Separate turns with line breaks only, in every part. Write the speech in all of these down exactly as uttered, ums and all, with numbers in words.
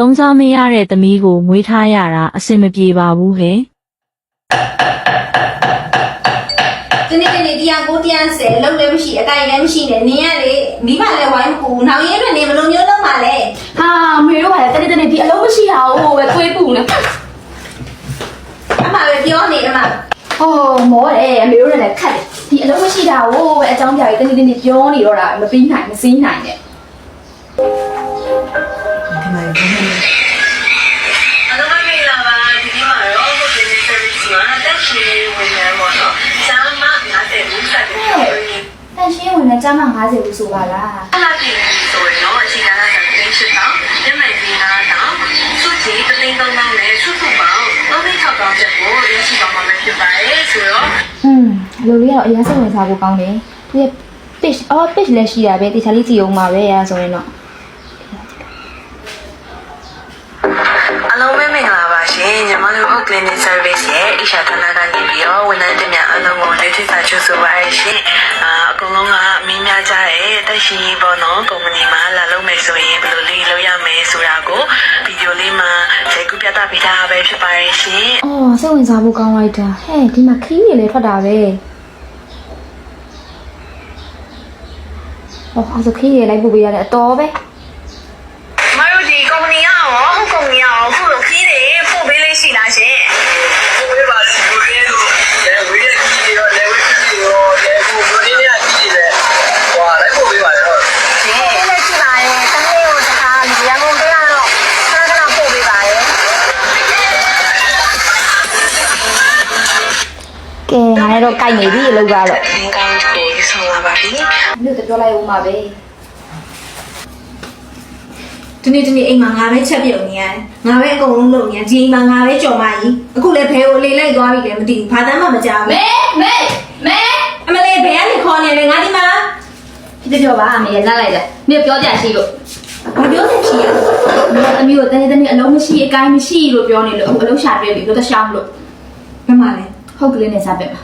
သုံးစားမရတဲ့သမီးကိုမွေးထားရတာအဆင်မပြေပါဘူးဟဲ့
ဒီနေ့ဒီနေ့တရားကိုတရားဆယ်လုံးလည်းမရှိအကိုင်လည်းမရှိနဲ့နင်းရလေမိမလည်းဝိုင်းပူနောက်ရဲတွေနေဘယ်လိုမျိုးလုပ်မှာလဲ
ဟာမေတို့ကလည်းတနေ့တနေ့ဒီအလုံးမရှိတာဟုတ်ပဲသွေးပူနေ
အမပဲပြောနေအမ
ဟောမောတယ်အမေတို့လည်းခတ်တယ်ဒီအလုံးမရှိတာဟုတ်ပဲအကြောင်းပြပြီးတနေ့တနေ့ပြောနေတော့တာမပြီးနိုင်မစည်းနိုင်နဲ့
ဒီမှာဒီမှာ
အလုံးမမေးလာပါဒီနေ့မှာတော့ကိုယ်နေ service မှာတက်ရှိဝင်နေမှာတော့စာမငါတဲ့ဘူးစတဲ့
တန်ရှင်းဝင်နေကျမ၅၀ဘူးဆိုပါလား
အဲ့ဒါပြင်ဆိုရင်တော့အချိန်ကာလကတင်းရှင်းတော့ညနေပိုင်းကတော့စုကြည့်တသိန်းသုံးသောင်းနဲ့စုစုပေါင်းသုံးသိန်း၆သောင်းချက်ကိုရရှိသွားမှာဖြစ်ပါတယ်ဆိုတော့
อืมလူလေးကတော့အရင်စိတ်ဝင်စားဖို့ကောင်းတယ်သူရဲ့ page အော် page လည်းရှိတာပဲတခြားလေးကြည့်အောင်ပါပဲအဲဆိုရင်တော့
အလုံးမဲမင်္ဂလာပါရှင်ညီမတို့ clinic service ရဲ့အရှာဌာနကနေပြီးတော့ဝန်ထမ်းတွေများအလုံးကိုလက်ထိစာချုပ်ဆိုပါရရှင်အာအကုန်လုံးကမင်းများကြတဲ့တက်ရှိပေါ့နော်ကုမ္ပဏီမှာလာလုပ်မယ်ဆိုရင်ဘယ်လိုလေးလုပ်ရမယ်ဆိုတာကိုဗီဒီယိုလေးမှာရိုက်ကူးပြသပေးထားပဲဖြစ်ပါရရှင်
အော်စိတ်ဝင်စားဖို့ကောင်းလိုက်တာဟဲ့ဒီမှာခီးတွေလည်းထွက်တာပဲအော်အဲ့ဒါခီးတွေလိုက်ပို့ပေးရတယ်အတော်ပဲ
မတို့ဒီကုမ္ပဏီကရောဟုတ်ကုမ္ပဏီကရောခုလိုခီးတွေပို့ပေးလေးရှိလားရှင်ပို့ပေးပါလေပို့ပေးလို့လေဝေးရခီးတွေရောလေဝေးခီးတွေရောလေကိုဘယ်နည်းနဲ့ခီးတွေလဲဟွာလိုက်ပို့ပေးပါလေဟုတ်ရှင်လက်ရှိပါရဲ့တမီးကိုတခါဒီရန်ကုန်ပေးရတော့ခဏခဏပို့ပေးပါရဲ့
ကဲငါလည်းတော့ကြိုက်နေပြီအလုပ်ကတော့
အင်းကောင်းကိုဆောင်လာပါပြီ
မြို့တော့ပြောလိုက်ဦးမှာပဲ
ဒီနေ့ဒီနေ့အိမ်မှာငါပဲချက်ပြုတ်နေရတယ်ငါပဲအကုန်လုံးလုပ်နေရဒီအိမ်မှာငါပဲကြော်မကြီးအခုလည်းဘဲကိုလေလိုက်သွားပြီလည်းမသိဘူးဘာတမ်းမှမကြောက်ဘူး
မဲမဲမဲ
အမလေးဘဲကနေခေါ်နေတယ်ငါဒီမှာ
ဒီပြောပါအမေလက်လိုက်တယ်မြေပြောကြရှိလို့
ဘာပြောနေချီရ
မြေသမီးကိုတနေ့တနေ့အလုံးမရှိအကိုင်းမရှိလို့ပြောနေလို့အလုံးရှာပြပြီလို့တခြားမလို့
ဘယ်မှာလဲ
ဟုတ်ကလေးနဲ့စားပြပါ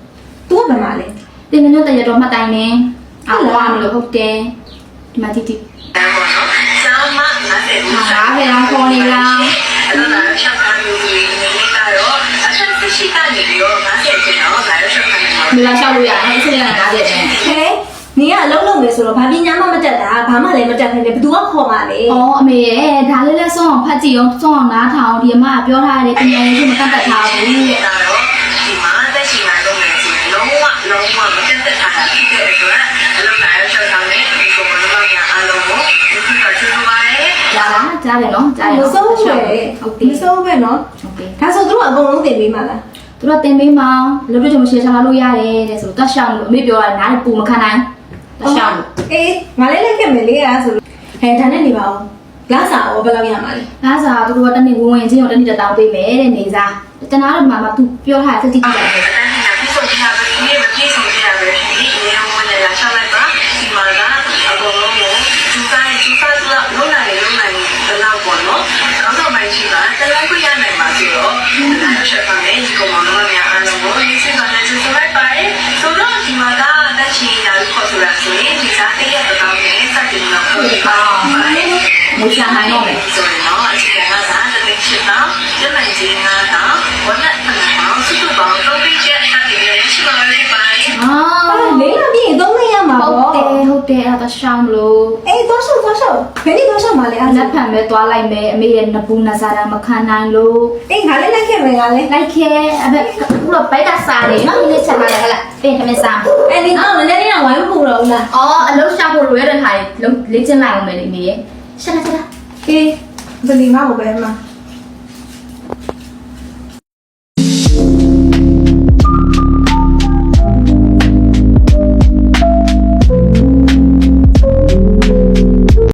तू ဘယ်မှာလဲ
တင်မင်းတို့တရတော်မှတ်တိုင်းနေအော်ဝါမလို့ဟုတ်တယ်ဒီမှာတိတိ
ကျောင်းမငါတဲ့
ဟာဘယ်အောင်ခေါ်နေလား
အဲ့ဒါလည်းရှောက်ထားပြီးနေနေတာရောအချက်ရှိကနေပြီးတော့ငါတဲ့ကျင်တော့ငါရရှောက်ထားနေမှာ
ဒီလားရှောက်လို့ရတယ်အစ်စရကငါတဲ့ကျင်
ဟဲနင်ကအလုံးလုံးမယ်ဆိုတော့ဘာပညာမှမတတ်တာဘာမှလည်းမတတ်ခင်လေဘသူကခေါ်မှာလဲ
ဩအမေရဲ့ဒါလေးလဲဆုံးအောင်ဖတ်ကြည့်အောင်ဆုံးအောင်နားထောင်ဒီအမကပြောထားတယ်ပညာရေးကိုမတတ်တတ်ထားဘူး
တဲ့ဒါတော့ဒီမှာတက်ရှိမှလုံးမယ်ဆိုရင်လုံးဝလုံးဝမတတ်တတ်တာဖြစ်တဲ့အတွက်အလုံးလာရရှောက်ထားနေဒီကိုမလုံးဝအလုံးကိုဒီကချူပါရဲ့
ကြားလားကြားတယ်နော်ကြား
တယ်မစိုးဘူးဟုတ်
တယ်
မစိုးပဲနော်
ဟုတ်တယ်
ဒါဆိုသူတို့အကုန်လုံးတင်ပေးမှာလား
သူတို့တင်ပေးမှာလို့တို့ကြောင့်ရှယ်ချလာလို့ရတယ်တဲ့ဆိုတော့တတ်ရှောင်းလို့အမေပြောတာနားပူမခံနိုင်တတ်ရှောင်းလို့
အေးငါလည်းလက်ခဲ့မယ်လေအားဆိုဟဲဒါနဲ့နေပါဦးလာစားရောဘယ်လောက်ရမှာလဲ
လာစားသူတို့ကတနေ့ဝင်ဝင်ချင်းရောတနေ့တောင်းပေးမယ်တဲ့နေစားတနာတော့မှမသူပြောထားတဲ့စိတ်ကြည့်ကြတယ်
ပြည့်စုံကြပါပြီမပြည့်စုံကြပါဘူးဒီအရင်ဝင်လာရှောက်လိုက်ပါဒီမှာကအကုန်လုံးကိုသူတိုင်းသူသားကလုံးနိုင်လုံးနိုင်ဘယ်လောက်ပေါ့နော်ကောင်းတော့မှရှိတာတလိုက်ခွင့်ရနိုင်ပါဆိုတော့ဒါချက်ပါမယ်ဒီကောင်မတော်များအားလုံးကိုရေးစကနေသူဆိုလိုက်ပါတယ်ဆိုတော့ဒီမှာကတက်ချီရာခေါ်ဆိုတာဆိုရင်ဒီစားတရက်တောင်းနဲ့စတင်တော့ခေါ်ပါပါတယ်
မွေးစားနိုင်တော့မယ်
ဆိုတော့အချိန်ကသာတသိန်းရှစ်တောင်းကျမကြီးငါးတောင်းဝက်နဲ့ဖန်တောင်းစုစုပေါင်းသုံးပြီးချက်အတင်ရရှိပါလိမ့်မယ်
အာလေးရပြီသုံးနေရမှာပေါ့
ဟုတ်တယ်ဟုတ်တယ်အဲ့ဒါရှောင်းလို့
အေးသွားရှောက်သွားရှောက်ဘယ်နည်းသွားရှောက်မှာလဲ
အဲ့လက်ဖန်ပဲသွားလိုက်မယ်အမေရဲ့နဘူးနစားတာမခံနိုင်လို့
အေးငါလည်းလိုက်ခဲ့မယ်ငါလည်း
လိုက်ခဲ့အဲ့ဘခုတော့ဘိုက်ကစားတယ်နော်ဒီနေ့ချက်လာတယ်ဟဲ့လားပြင်ခမစား
အဲ့ဒီအော်လည်းလည်းဝိုင်းမပူတော့ဘူးလား
အော်အလုံးရှာဖို့လွယ်တဲ့ခါလေးလေ့ကျင့်လိုက်အောင်မယ်လေမေရဲ့ချက်လာချက်လာ
အေးဘယ်လီမဟုတ်ပဲမှာ